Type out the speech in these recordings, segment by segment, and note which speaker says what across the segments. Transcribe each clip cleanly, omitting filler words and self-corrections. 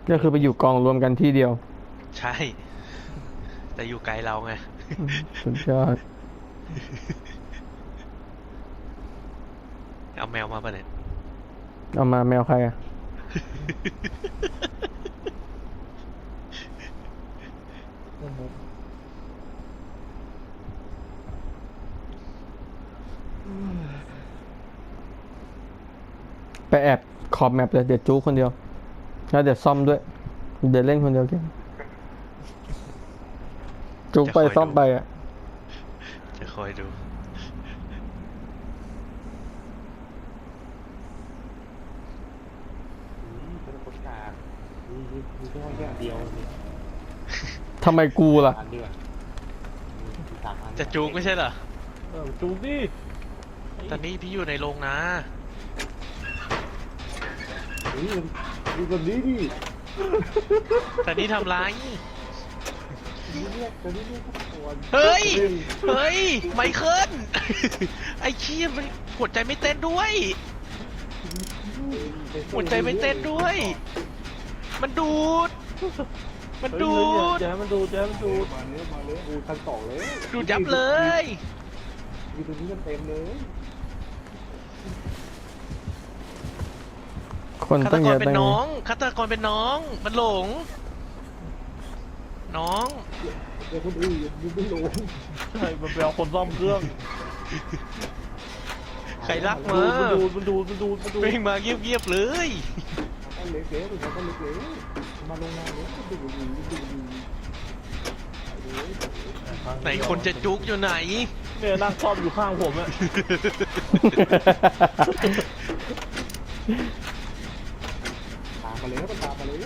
Speaker 1: ก็คือไปอยู่กองรวมกันที่เดียว
Speaker 2: ใช่แต่อยู่ไกลเราไง
Speaker 1: สุดยอด
Speaker 2: เอาแมวมาปะเนี่ย
Speaker 1: เอามาแมวใครอะไปแอบขอบแมปเลยเดี๋ยวจู้คนเดียวแล้วเดี๋ยวซ่อมด้วยเดี๋ยวเล่นคนเดียวเก่งจู้ไปซ่อมไปอ่ะ
Speaker 2: จะคอยดู
Speaker 3: เป็นคนกาดมีแค่เดียวนี่
Speaker 1: ทำไมกูล่ะ
Speaker 3: อันเดียว3 อัน
Speaker 2: จะจูงไม่ใช่เหรอ
Speaker 3: จูงดิ
Speaker 2: ตอนนี้พี่อยู่ในโรงนะ
Speaker 3: ดูแบบนี้ดิ
Speaker 2: แต่นี่ทำไร
Speaker 3: ตอนนี้เรียกคน
Speaker 2: เฮ้ยเฮ้ยไมเคิลไอ้เชี่ยมันหัวใจไม่เต้นด้วยหัวใจไม่เต้นด้วย มันดูดมันดูด
Speaker 3: แจ๊มันดูแจ๊มันดูมาเลยดูชั้น2เลย
Speaker 2: ดูดยับเลย
Speaker 3: อยู่ตรงนี้กันเต็มเลย
Speaker 1: คน
Speaker 2: ฆาต
Speaker 1: ตั้ง
Speaker 2: ก
Speaker 1: เย
Speaker 2: ร
Speaker 1: อะ
Speaker 2: เป็
Speaker 1: ตั้
Speaker 2: น
Speaker 1: ง
Speaker 2: น้องฆาตกรเป็นน้องมันหลงน้อง
Speaker 3: เดี๋ยวคนอื่นยังไม่ลง
Speaker 4: ใช่มันไปเอาคนซ่อมเครื่อง
Speaker 2: ใครรักมา
Speaker 4: มันดู
Speaker 2: เพ่งมาเงียบๆเลย
Speaker 3: มันเล็กๆมันก็เล็กๆมาลงมาเลยดู
Speaker 2: ไหนคนจะจุกอยู่ไหน
Speaker 4: เนี่ยนั่งซ่อมอยู่ข้างผมอะ
Speaker 3: ตามมาเลยมันตามมาเลย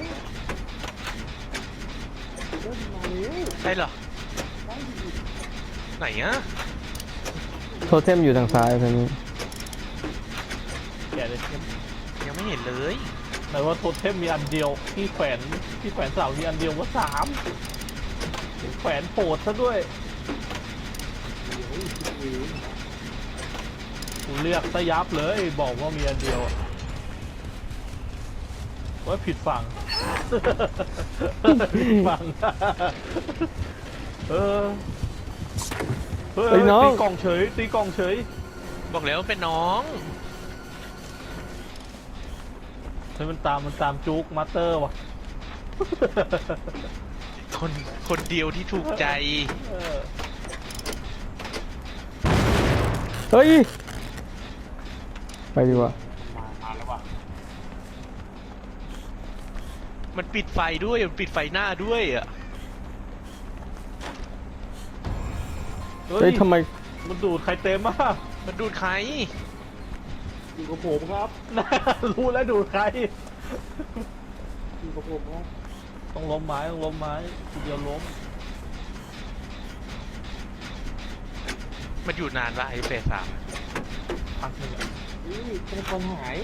Speaker 3: มาเลย
Speaker 2: ใช่เหรอไหนอะ
Speaker 1: โทเทมอยู่ทางซ้ายตอนนี้
Speaker 4: แกเลย
Speaker 2: ยังไม่เห็นเลย
Speaker 4: ไหนว่าโทเทมมีอันเดียวที่แขวนเสามีอันเดียวว่า3แขวนโปดซะด้วยกูเรียกซะยับเลยบอกว่ามีอันเดียวว่าผิดฝั่ง ผิดฝั่ง เฮ้ยตีกล่องเฉยตีกล่องเฉย
Speaker 2: บอกแล้วว่าเป็นน้อง
Speaker 4: เฮ้ยมันตามจุกมาสเตอร์ว่ะ
Speaker 2: คนเดียวที่ถูกใจ
Speaker 1: เฮ้ยไปดีกว่า
Speaker 3: มาแล้วว่ะ
Speaker 2: มันปิดไฟด้วยมันปิดไฟหน้าด้วยอ่ะ
Speaker 1: เฮ้ยทำไม
Speaker 4: มันดูดใครเต็มอ่ะ
Speaker 2: มันดูดใคร
Speaker 3: อยู่กับผมครับ
Speaker 4: รู้แล้วดูดใคร
Speaker 3: อยู่กับผมครับ
Speaker 4: ต้องล้มไม้ทีเดียวล้ม
Speaker 2: มันอยู่นานปะไอ้เฟส3อะ
Speaker 4: พักหนึงอะ
Speaker 3: นี่เป็นคนหาย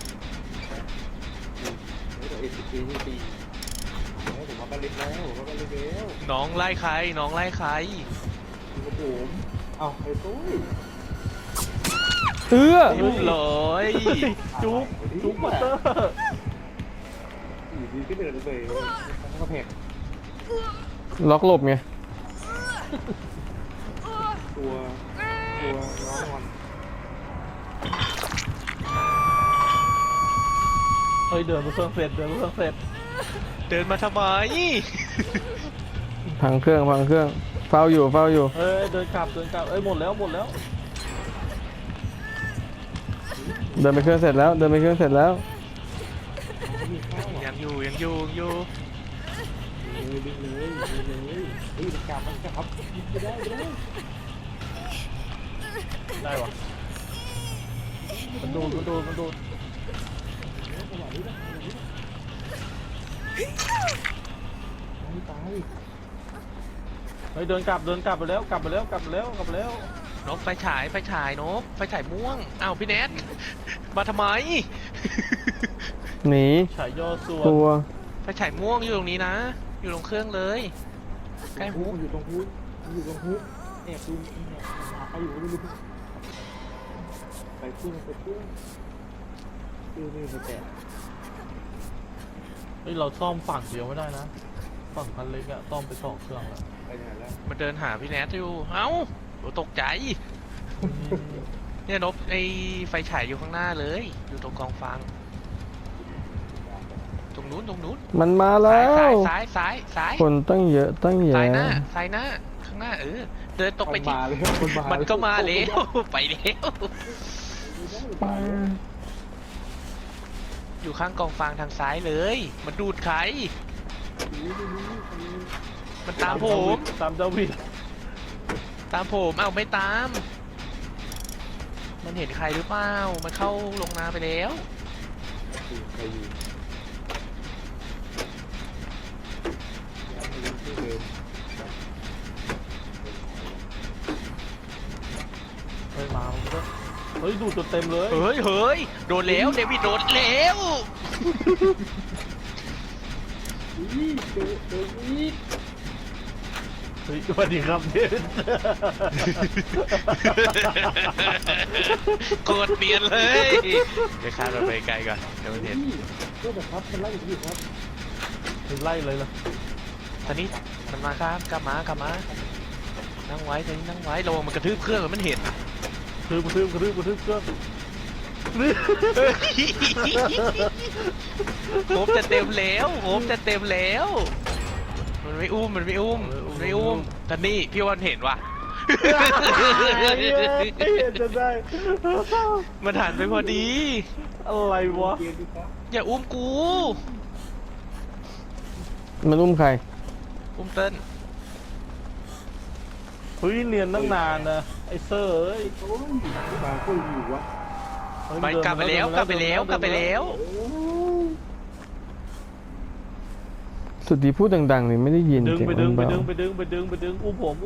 Speaker 3: เดี๋ยวSCPนี่ตีผมมากันเล็กแล้วผมมากันเล็กแล้ว
Speaker 2: น้องไล่ใครน้องไล่ใคร
Speaker 3: อยู่กับผมเอ้าไอ้ตุ้ย
Speaker 1: เอื้อ
Speaker 2: เรียบร้อย
Speaker 4: จุกมาสเตอร์
Speaker 3: อยู่ดีก็เดินไปทั้งกระเพก
Speaker 1: ล็อกหลบไง
Speaker 3: ตัวน้องมัน
Speaker 4: เฮ้ยเดินมาเครื่องเสร็จ
Speaker 2: เดินมาทำไม
Speaker 1: พังเครื่องเฝ้าอยู่
Speaker 4: เฮ้ยเดินกลับเอ้ยหมดแล้ว
Speaker 1: เดินไปเครื่องเสร็จแล้ว
Speaker 2: ยังอยู่
Speaker 3: เลยเฮ้ยกลับไม่ได้
Speaker 4: ได้วะมันดูด
Speaker 3: ไม่ตาย
Speaker 4: เฮ้ยเดินกลับไปแล้ว
Speaker 2: นกไฟฉายนกไฟฉายม่วงอ้าวพี่เนทมาทำไม
Speaker 1: หนี
Speaker 4: ฉายย่อส่วน
Speaker 1: กลัว
Speaker 2: ไฟฉายม่วงอยู่ตรงนี้นะ อยู่ตรงเครื่องเลยใกล้หู
Speaker 3: อยู่ตรงฮูดแอบดูหาใครอยู่ไม่รู้ไปเครื่องนี่ไปแตะ
Speaker 4: เฮ้ยเราซ่อมฝั่งเดียวไม่ได้นะฝั่งคันเล็กอะซ่อมไป2 เครื่องแล้ว
Speaker 3: ไปไหนแล้ว
Speaker 2: มันเดินหาพี่แนทอยู่เอ้าโอ้ตกใจเนี่ยนบไอไฟฉายอยู่ข้างหน้าเลยอยู่ตรงกองฟางตรงนู้น
Speaker 1: มันมาแล้
Speaker 2: ซ้ายว ซ้ายซ้ายซ้าย
Speaker 1: คนตั้งเยอะตั้งแยะ
Speaker 2: ซ้ายหน้าข้างหน้าเดินตรงไป
Speaker 3: มัน
Speaker 2: ที่
Speaker 3: มาเลยมันมา
Speaker 2: มันก็มาแล้ว ไปแล้ว อยู่ข้างกองฟางทางซ้ายเลย มันดูดใคร มันตามผม
Speaker 4: ตามดาวิด
Speaker 2: ตามผมเอ้าไม่ตาม มันเห็นใครหรือเปล่า มันเข้าลงนาไปแล้ว
Speaker 3: ใครอยู่ที่เดิม
Speaker 4: เฮ้ยมามันก็เฮ้ยดูดจนเต็มเลย
Speaker 2: เฮ้ยโดนแล้วเดวิดโดนแล้ว
Speaker 3: อีเจออีก
Speaker 4: เฮ้ยสวัสดีครับเดน
Speaker 2: โกรธเปลี่ยนเลยเดี๋ยวข้ามเราไปไกลก่อนเดี๋ยวมันเห็น
Speaker 3: ก็แบบครับมันไล่อยู่ครับ
Speaker 4: ไล่เลยล่ะ
Speaker 2: ตอนนี้มันมาครับกลับมานั่งไว้ตอนนี้นั่งไว้ระวังมันกระทืบเครื่องมันเห็น
Speaker 4: กระทืบเครื่อง
Speaker 2: โคบจะเต็มแล้วมันไม่อุ้มแต่นี่พี่วันเห็นว่ะ
Speaker 4: เห็นจะได้
Speaker 2: มันหันไปพอดี
Speaker 4: อะไรวะ
Speaker 3: เกมดูครับ
Speaker 2: อย่าอุ้มกู
Speaker 1: มันอุ้มใคร
Speaker 2: อุ้มเติ้ล
Speaker 4: เฮ้ยเนียนตั้งนานนะไอ้เซอร์เอ้ย
Speaker 3: โอ้ยบางคนอยู่วะ
Speaker 4: เฮ้ย
Speaker 2: ไปกลับไปแล้ว
Speaker 1: สุดที่พูดดังๆนี่ไม่ได้ยิน
Speaker 4: ดึง
Speaker 1: เสียง
Speaker 4: ไป
Speaker 1: มั
Speaker 4: ดึง
Speaker 1: น
Speaker 4: ไป
Speaker 1: เบา
Speaker 4: ดึงไปดึงไปดึงไปดึงอุ้มผม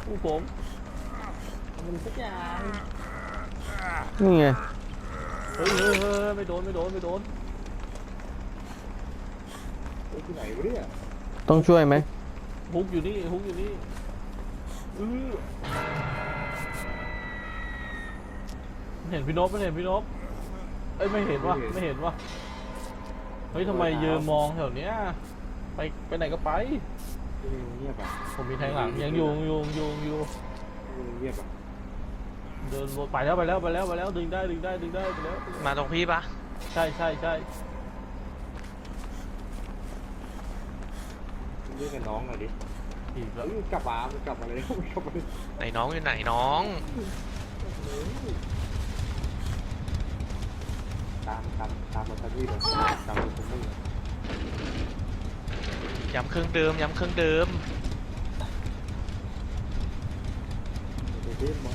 Speaker 3: มันสักอย่าง
Speaker 1: นี่ไง
Speaker 4: เฮ้ยไม่โดน
Speaker 3: ไอ้ที่ไหนวะเนี่ย
Speaker 1: ต้องช่วยไหม
Speaker 4: ฮุกอยู่นี่เห็นพี่นพเอ้ยไม่เห็นวะเฮ้ยทำไมยืนมองแถวเนี้ยไปไหนก็ไป
Speaker 3: เงียบอ่ะ
Speaker 4: ผมมีแทงหลังยังอยู่
Speaker 3: เงียบอ่ะ
Speaker 4: เดินวนไปแล้วดึงได้ไปแล้ว
Speaker 2: มาตรงพี่ปะ
Speaker 4: ใช่
Speaker 3: เรียกกับน้องหน่อยดิ
Speaker 4: อีกแล้ว
Speaker 3: เฮ้ยกลับมาเลย
Speaker 2: ไหนน้องอยู่ไหนน้อง
Speaker 3: ตามมาทันทีเลยตามมาทันที
Speaker 2: ย้ำเครื่องเดิม
Speaker 3: เดินมา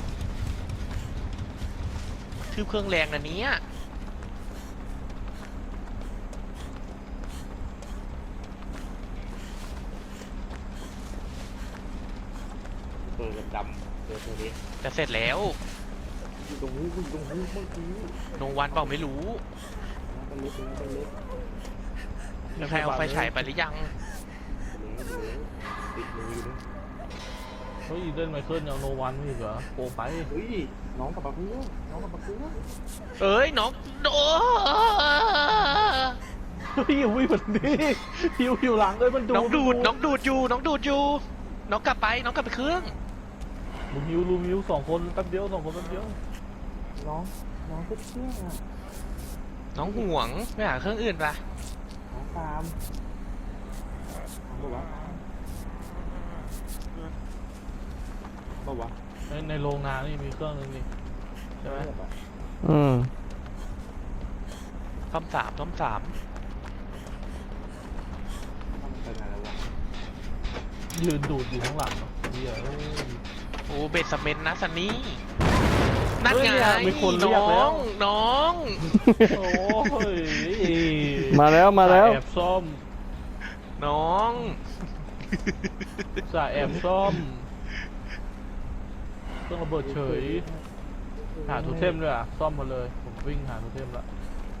Speaker 2: ทืบเครื่องแรงนะเนี้ย
Speaker 3: เปิดดำเจอตัวนี้
Speaker 2: จะเสร็จแล้ว
Speaker 3: อยู่ตรงนี้เมื่อกี้
Speaker 2: โนวันเปล่าไม่รู้
Speaker 3: เป็นเล็ก
Speaker 2: มีใครเอาไฟฉายไปหรือยัง
Speaker 3: ติดมือนะ
Speaker 4: เฮ้ยเดินไมเคิลยังโนวันไม่อีกเหรอโกงไป
Speaker 3: เฮ้ยน้องกับปะเพื่อน
Speaker 2: เอ้ยน้องโด
Speaker 4: เฮ้ยวิ่งแบบนี้หิวหลังเลยมันดู
Speaker 2: น้องดูดอยู่น้องกลับไปเครื่อง
Speaker 4: ลุมหิว2 คนแป๊บเดียว
Speaker 3: น้องก็เชื่อ
Speaker 2: น้องห่วงไม่หาเครื่องอื่นปะ
Speaker 3: น้องตามบอกว่า
Speaker 4: ในโรงนานี่มีเครื่องนึงนี่ใช่ไหม
Speaker 1: อืม
Speaker 2: ซ่อมสาม
Speaker 3: ไปไหนแล้ววะ
Speaker 4: ยืนดูดอยู่ข้างหลังเนาะเหี้ย
Speaker 2: โอ้เบสเมนต์นะซันนี่นั่นไง
Speaker 4: มีคนเรียกแล้ว
Speaker 2: น้อง
Speaker 4: โอ้ย
Speaker 1: มาแล้ว
Speaker 4: แอบซ่อม
Speaker 2: น้อง
Speaker 4: แอบซ่อมเครื่องระเบิดเฉยหาโทูเทมด้วยอ่ะซ่อมมาเลยผมวิ่งหาโทูเทมละ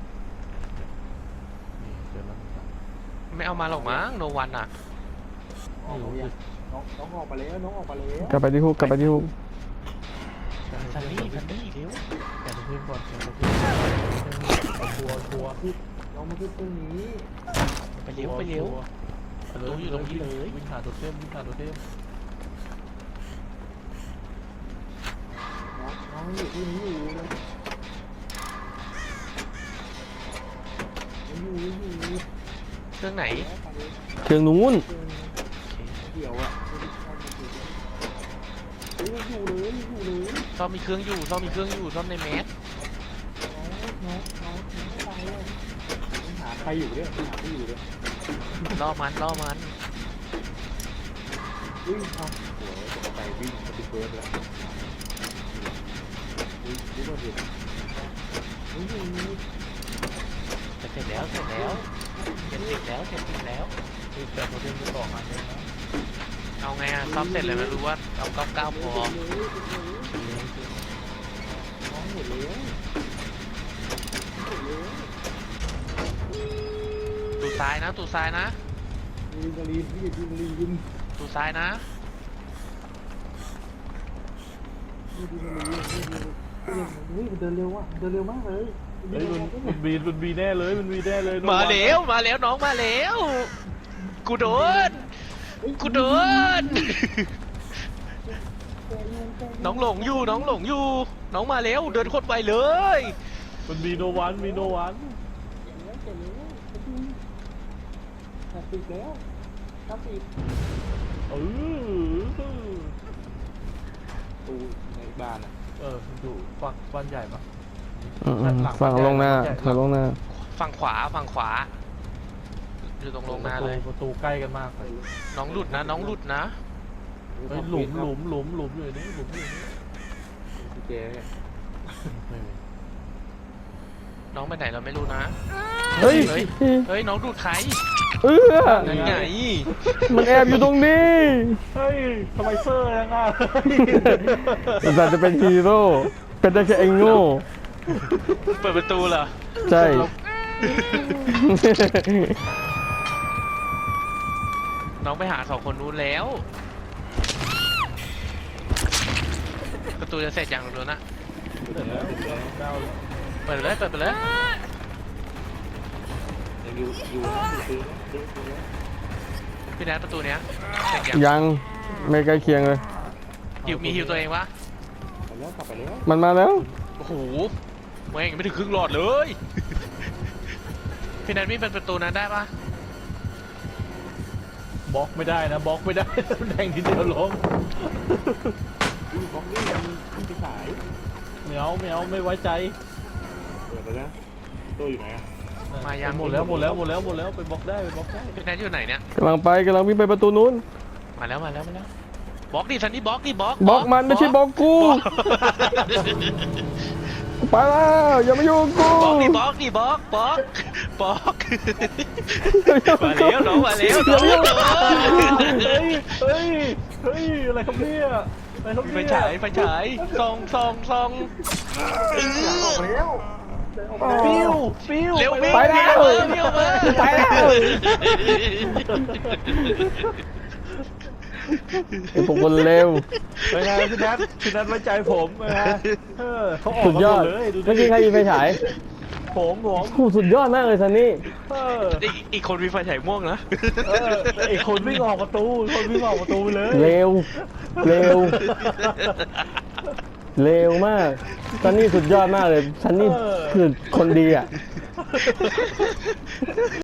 Speaker 4: นี่เจอแล้ว
Speaker 2: ไม่เอามาหรอกมั้งโนวันอ่ะ
Speaker 3: น้องออกไปแล้วน้องออกไปแล้ว
Speaker 1: กลับไปที่ฮุก
Speaker 2: ซันนี่เร็ว
Speaker 4: แกะโทูเทมก่อนแกะโทูเทมเอาทัวร์
Speaker 3: เรามาขึ้นตรงนี้
Speaker 2: ไปเร็วไปเร็ว
Speaker 4: ตัวอยู่ตรงนี้เลยวิ่งหาตัวเทมวิ่งหาตัวเทม
Speaker 3: น้องอยู่ที่นี้อยู่เลยอยู่
Speaker 2: เครื่องไหน
Speaker 1: เครื่องนู้น
Speaker 3: เดี๋ยวอ่ะอยู่เลย
Speaker 2: ซ่อมมีเครื่องอยู่ซ่อมมีเครื่องอยู่ซ่อมในแมส
Speaker 3: น้องไปเลยหาใครอยู่เนี่ยหาใครอยู่เนี่ย
Speaker 2: ล่อมันล่อมัน
Speaker 3: วิ่งเอาโอ้ยจะไปวิ่งจะไปเบิร์ดแล้วรู้ว่าเด็กนี่
Speaker 2: เสร็จแล้วเสร็จแล้วเสร็จติดแล้วเสร็จติดแล้ว
Speaker 4: แต่ตัวเทมจะต่อมาเลยนะ
Speaker 2: เอาไงอะซ่อมเสร็จเลยไม่รู้ว่าเอา99พอ
Speaker 3: น้องหมดเลย
Speaker 2: ตูซ้ายนะตูซ้ายนะ
Speaker 3: ลีนลีนพี่ลีน
Speaker 2: ตูซ้ายนะ
Speaker 3: นี่เดินเร็วอ่ะเดินเร็วมากเลย
Speaker 4: เฮ้ยมันบีแน่เลยมันบีแน่เลย
Speaker 2: มาแล้วมาแล้วน้องมาแล้วกูโดนกูโดนน้องหลงอยู่น้องหลงอยู่น้องมาแล้วเดินโคตรไวเลย
Speaker 4: มันมีโนวันมีโนวัน
Speaker 3: ติดแล้วครับติด
Speaker 4: เออ
Speaker 3: ตูในบ้านอ่ะ
Speaker 4: มันอยู่ฝั่งบ้านใหญ่ปะ
Speaker 1: ฝั่งลงหน้าฝั่งลงหน้า
Speaker 2: ฝั่งขวาฝั่งขวาอยู่ตรงลงหน้าเลย
Speaker 4: ประตูใกล้กันมากเลย
Speaker 2: น้องหลุดนะน้องหลุดนะ
Speaker 4: เฮ้ยหลุมอยู่นี่หลุมอยู่นี่
Speaker 3: พี่เจ๊เนี่ย
Speaker 2: น้องไปไหนเราไม่รู้นะ
Speaker 1: เฮ้ย
Speaker 2: เฮ้ยน้องดูดใคร นั่นไง
Speaker 1: มันแอบอยู่ตรงนี้
Speaker 4: เฮ้ยทำไมเซอร์ยังอ่ะ
Speaker 1: แต่จะเป็นฮีโร่เป็นได้แค่ไอ้โง่
Speaker 2: เปิดประตูเหรอ
Speaker 1: ใช่
Speaker 2: น้องไปหา2 คนนู้นแล้ว ประตูจะเสร็จอย่างเดียวนะ เปิดไปเลยเปิดไปเลย
Speaker 3: ยังอยู่ซื้อ
Speaker 2: พี่แนทประตูเนี้ยเสร็จยัง
Speaker 1: ยังไม่ใกล้เคียงเลย
Speaker 2: มีฮิวตัวเองวะ
Speaker 3: ไปแล้วกลับไปแล้ว
Speaker 1: มันมาแล้ว
Speaker 2: โอ้โหแม่งยังไม่ถึงครึ่งหลอดเลย พี่แนทมีเป็นประตูนั้นได้ปะ
Speaker 4: บล็อกไม่ได้นะบล็อกไม่ได้ แดงทีเดียวล้ม
Speaker 3: บล็อกนี่มันไปขาย
Speaker 4: ไม่เอาไม่ไว้ใจ
Speaker 3: เปิดไปแล้วตัวอยู่ไหนอ่ะ
Speaker 2: มายัง
Speaker 4: หมดแล้วไปบล็อกได้
Speaker 2: พี่แนทอยู่ไหนเนี่ย
Speaker 1: กำลังวิ่งไปประตูนู้น
Speaker 2: มาแล้วบล็อกดิซันนี่บล็อกดิบล็อก
Speaker 1: บล็อกมันไม่ใช่บล็อกกู ไปแล้วอย่ามายุ่งกู
Speaker 2: บล็อกดิบล็อกดิบล็อกบล็อกบล็อกมาแล้วน้องมาแล้วน้อง
Speaker 4: เฮ้ยอะไรครับเนี่ยอะไรครับ
Speaker 2: ไฟ
Speaker 4: เนี่ย
Speaker 2: ฉายส่อง
Speaker 3: ออกแล้ว
Speaker 4: ฟิว
Speaker 2: เร็ว
Speaker 1: ไปแล้ว
Speaker 2: เร็วมา
Speaker 1: ไปแล้ว ไอ้พวกคนเร็ว
Speaker 4: เป็นไงพี่นัทไว้ใจผมนะเขาออก
Speaker 1: สุดยอด
Speaker 4: เลยดู
Speaker 1: เมื่อกี้ใครมีไฟฉาย
Speaker 4: ผม
Speaker 1: โอ้โหสุดยอดมากเลยซันนี่
Speaker 2: อีกคนมีไฟฉายม่วงนะ
Speaker 4: ไอคนวิ่งออกประตูไปเลย
Speaker 1: เร็ว เร็วมากซันนี่สุดยอดมากเลยซันนี่คือคนดีอ่ะ